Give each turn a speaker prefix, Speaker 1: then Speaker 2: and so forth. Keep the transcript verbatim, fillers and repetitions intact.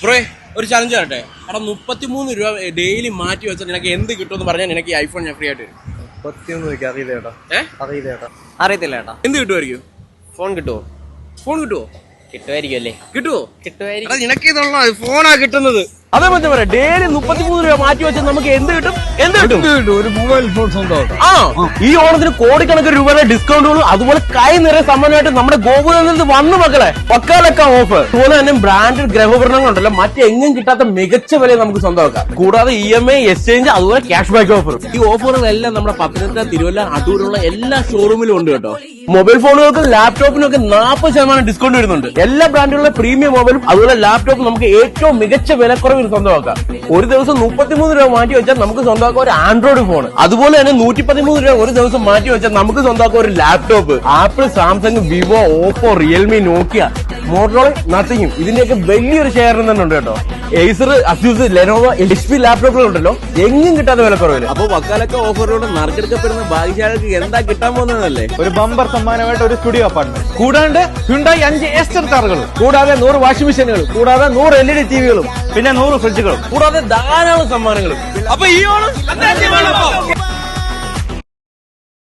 Speaker 1: Bro ഒരു challenge ആട്ടെ എടാ മുപ്പത്തിമൂന്ന് രൂപ ഡെയിലി മാറ്റി വെച്ചാൽ നിനക്ക് എന്ത് കിട്ടുമെന്ന് പറഞ്ഞാൽ എനിക്ക് ഈ ഐഫോൺ ഞാൻ ഫ്രീ ആയിട്ട് തരും.
Speaker 2: മുപ്പത്തിമൂന്ന് അറിയില്ല ചേട്ടാ.
Speaker 1: ഏഹ്
Speaker 2: അറിയില്ല ചേട്ടാ.
Speaker 3: അറിയത്തില്ല ചേട്ടാ.
Speaker 1: എന്ത് കിട്ടുമായിരിക്കും?
Speaker 3: ഫോൺ കിട്ടുമോ?
Speaker 1: ഫോൺ കിട്ടുമോ?
Speaker 3: കിട്ടുമായിരിക്കും അല്ലേ?
Speaker 1: കിട്ടുമോ?
Speaker 3: കിട്ടുമായിരിക്കും.
Speaker 1: നിനക്ക് ഇതുള്ള ഫോണാ കിട്ടുന്നത്. അതേ പറ്റി പറയാം, ഡെയിലി മുപ്പത്തിമൂന്ന് രൂപ മാറ്റി വെച്ചാൽ നമുക്ക് എന്ത് കിട്ടും? എന്ത് കിട്ടും?
Speaker 2: ഒരു മൊബൈൽ ഫോൺ സ്വന്തമാക്കാം.
Speaker 1: ആ ഈ ഓണത്തിന് കോടിക്കണക്കിന് രൂപയുടെ ഡിസ്കൗണ്ടുകളും അതുപോലെ കൈ നിറയെ സമ്മാനമായിട്ട് നമ്മുടെ ഗോകുലത്തിൽ നിന്ന് വന്നു മക്കളെ. പക്കാലൊക്കെ ഓഫർ. അതുപോലെ തന്നെ ബ്രാൻഡഡ് ഗ്രഹോപകരണങ്ങളുണ്ടല്ലോ മറ്റെങ്ങും കിട്ടാത്ത മികച്ച വില നമുക്ക് സ്വന്തമാക്കാം. കൂടാതെ ഇ എം ഐ എക്സ്ചേഞ്ച് അതുപോലെ ക്യാഷ് ബാക്ക് ഓഫർ. ഈ ഓഫറുകളെല്ലാം നമ്മുടെ പത്തനംതിട്ട, തിരുവല്ല, അടൂരുള്ള എല്ലാ ഷോറൂമിലും ഉണ്ട് കേട്ടോ. മൊബൈൽ ഫോണുകൾക്കും ലാപ്ടോപ്പിനും ഒക്കെ നാൽപ്പത് ശതമാനം ഡിസ്കൗണ്ട് വരുന്നുണ്ട്. എല്ലാ ബ്രാൻഡുകളുടെ പ്രീമിയം മൊബൈലും അതുപോലെ ലാപ്ടോപ്പും നമുക്ക് ഏറ്റവും മികച്ച വിലക്കുറവിൽ സ്വന്തമാക്കാം. ഒരു ദിവസം മുപ്പത്തിമൂന്ന് രൂപ മാറ്റി വെച്ചാൽ നമുക്ക് സ്വന്തമാക്കാം ഒരു ആൻഡ്രോയിഡ് ഫോൺ. അതുപോലെ തന്നെ നൂറ്റി പതിമൂന്ന് രൂപ ഒരു ദിവസം മാറ്റി വെച്ചാൽ നമുക്ക് സ്വന്തമാക്കാം ഒരു laptop. Apple, Samsung, Vivo, Oppo, Realme, Nokia, Motorola, നത്തിങ്ങും ഇതിന്റെയൊക്കെ വലിയൊരു ഷെയർ തന്നെ ഉണ്ട് കേട്ടോ. Acer, Asus, Lenovo, H P ലാപ്ടോപ്പുകളുണ്ടല്ലോ എങ്ങും കിട്ടാത്ത വിലക്കുറവില്. അപ്പൊ വക്കാലൊക്കെ ഓഫറിലൂടെ നറുക്കെടുക്കപ്പെടുന്ന ഭാഗ്യശാലിക്ക് എന്താ കിട്ടാൻ പോകുന്നതല്ലേ?
Speaker 2: ഒരു ബമ്പർ സമ്മാനമായിട്ട് ഒരു സ്റ്റുഡിയോ അപ്പാർട്ട്മെന്റ്,
Speaker 1: കൂടാണ്ട് ഹ്യുണ്ടായി അഞ്ച് എസ്റ്റർ കാറുകൾ, കൂടാതെ നൂറ് വാഷിംഗ് മെഷീനുകൾ, കൂടാതെ നൂറ് എൽ ഇ ഡി ടിവികളും, പിന്നെ നൂറ് ഫ്രിഡ്ജുകളും, കൂടാതെ ധാരാളം സമ്മാനങ്ങളും. അപ്പൊ ഈ ഓണം